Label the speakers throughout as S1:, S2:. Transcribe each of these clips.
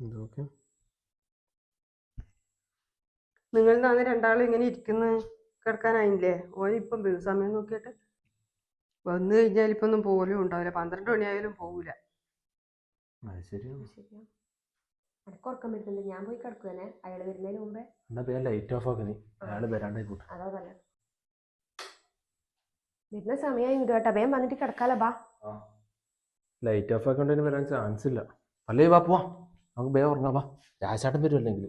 S1: ഇതൊക്കെ
S2: നിങ്ങൾ അന്ന് രണ്ടാളും ഇങ്ങനെ ഇരിക്കുന്നു കിടക്കാനായില്ലേ? ഓനിപ്പം സമയം നോക്കിയിട്ട് വന്നു കഴിഞ്ഞാൽ ഇപ്പൊ ഒന്നും പോലും ഉണ്ടാവില്ല. 12 മണിയായാലും പോകൂല.
S1: അത് ശരിയാണ്.
S3: എനക്ക് ഉറക്കം വരുന്നുണ്ട്. ഞാൻ പോയി കിടക്കുവനെ അയാൾ വരുന്നതിന് മുമ്പേ.
S1: എന്നാ പേര് ലൈറ്റ് ഓഫ് ആക്കി. അയാൾ വരാണ്ടായിക്കോട്ടെ.
S3: അതാ നല്ല വരുന്ന സമയമായി കേട്ടോ. വേഗം വന്നിട്ട് കിടക്കാലോ. ബാ,
S1: ലൈറ്റ് ഓഫ് ആക്കേണ്ടതിന് വരാൻ ചാൻസ് ഇല്ല. അല്ലേ വാ പോവാ, നമുക്ക് വേഗം ഉറങ്ങാം. വാ, രാശാട്ടം വരുമല്ലെങ്കിൽ.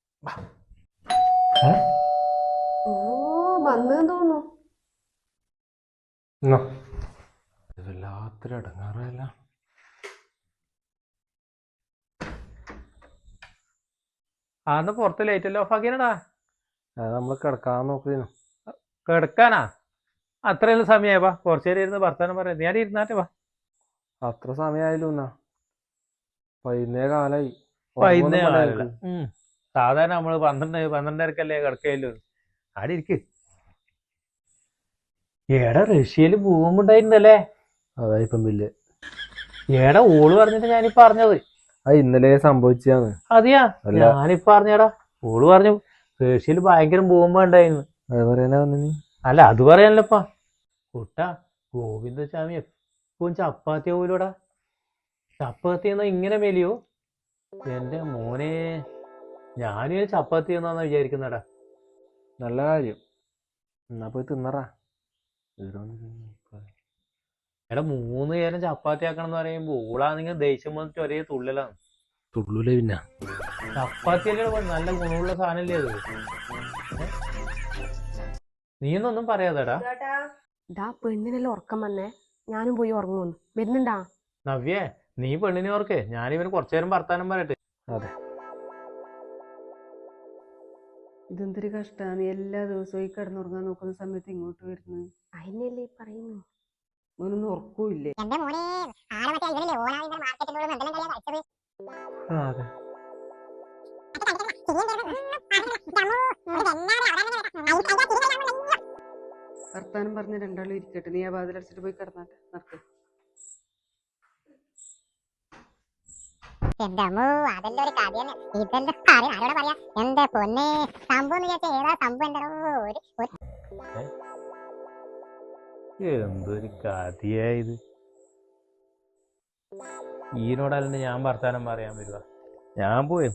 S3: ഓ വന്നെന്ന് തോന്നുന്നു.
S1: വല്ലാത്തൊരു അടങ്ങാറല്ല.
S4: ആന്ന് പുറത്ത് ലൈറ്റ് എല്ലാം ഓഫ് ആക്കിയാടാ.
S1: അത് നമ്മൾ കിടക്കാൻ നോക്കുന്നു.
S4: കിടക്കാനാ? അത്രയും സമയമായി. വാ, കുറച്ചു നേരം ഇരുന്ന് വർത്താനം പറയാം. ഞാൻ ഇരുന്നാട്ടെ. വാ,
S1: അത്ര സമയമായാലും എന്നാ കാലായി.
S4: സാധാരണ നമ്മള് 12-12:30 കിടക്കല്ലോ. ആടെ ഇരിക്ക്. ഏടാ റഷ്യയില് ഭൂകമ്പം ഉണ്ടായിട്ടുണ്ടല്ലേ?
S1: അതായിപ്പം ബില്ല്.
S4: ഏടാ ഓള് പറഞ്ഞിട്ട് ഞാനിപ്പോ അറിഞ്ഞത്.
S1: അത് ഇന്നലെ സംഭവിച്ചാണ്.
S4: അതെയാ? ഞാനിപ്പോ അറിഞ്ഞടാ. ഓള് പറഞ്ഞു റഷ്യയില് ഭയങ്കര ഭൂകമ്പം ഉണ്ടായിരുന്നു.
S1: അത് പറയാനാ വന്നി?
S4: അല്ല, അത് പറയാനല്ലപ്പാ. കുട്ടാ, ഗോവിന്ദസ്വാമി എപ്പോഴും ചപ്പാത്തി പോലൂടാ. ചപ്പാത്തി എന്നാ ഇങ്ങനെ മെലിയോ? എന്റെ മോനെ, ഞാനും ചപ്പാത്തി എന്നാന്ന് വിചാരിക്കുന്നടാ.
S1: നല്ല കാര്യം. എന്നാ പോയി തിന്നറാ.
S4: എടാ 3 നേരം ചപ്പാത്തി ആക്കണം എന്ന് പറയുമ്പോ ഓളാണെങ്കിൽ ദേഷ്യം വന്നിട്ട് ഒരേ തുള്ളലാണ്.
S1: തുള്ളൂലേ പിന്നെ.
S4: ചപ്പാത്തി അല്ലേ നല്ല ഗുണമുള്ള സാധനല്ലേ അത്? നീയൊന്നും പറയാതെടാ.
S3: ഇതാ പെണ്ണിനെല്ലാം ഉറക്കം വന്നേ. ഞാനും പോയി ഉറങ്ങുന്നു. വരുന്നുണ്ടാ?
S4: നവ്യേ, നീ പെണ്ണിനെ ഓർക്കേ. ഞാനിവന് കുറച്ചു നേരം വർത്താനം പറയട്ടെ.
S1: അതെ,
S2: ഇതെന്തൊരു കഷ്ടാണ്. എല്ലാ ദിവസവും ഈ കിടന്നുറങ്ങാൻ നോക്കുന്ന സമയത്ത് ഇങ്ങോട്ട് വരുന്നു.
S3: അതിനല്ലേ പറയുന്നു.
S2: ഓനൊന്നും ഉറക്കൂല്ലേ?
S4: അതെ.
S2: വർത്താനം പറഞ്ഞ രണ്ടാളും ഇരിക്കട്ടെ. നീ ആ വാതിലടച്ചിട്ട് പോയി കിടന്നാട്ടെ. നടക്ക്.
S5: എന്റെ അമ്മോ, അതെല്ലാം ഒരു കഥയാണ്. ഇതെല്ലാം കാര്യം ആരോടെ പറയാ? എന്റെ പൊന്നെ, സംഭവം വിചാരിച്ച ഏതാ സംഭവം?
S4: എന്തൊരു കഥയായത്. ഈനോടല്ലേ ഞാൻ വർത്താനം പറയാൻ വരുക? ഞാൻ പോയി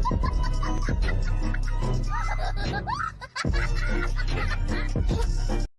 S4: എന്തൊരുത്തനായത്.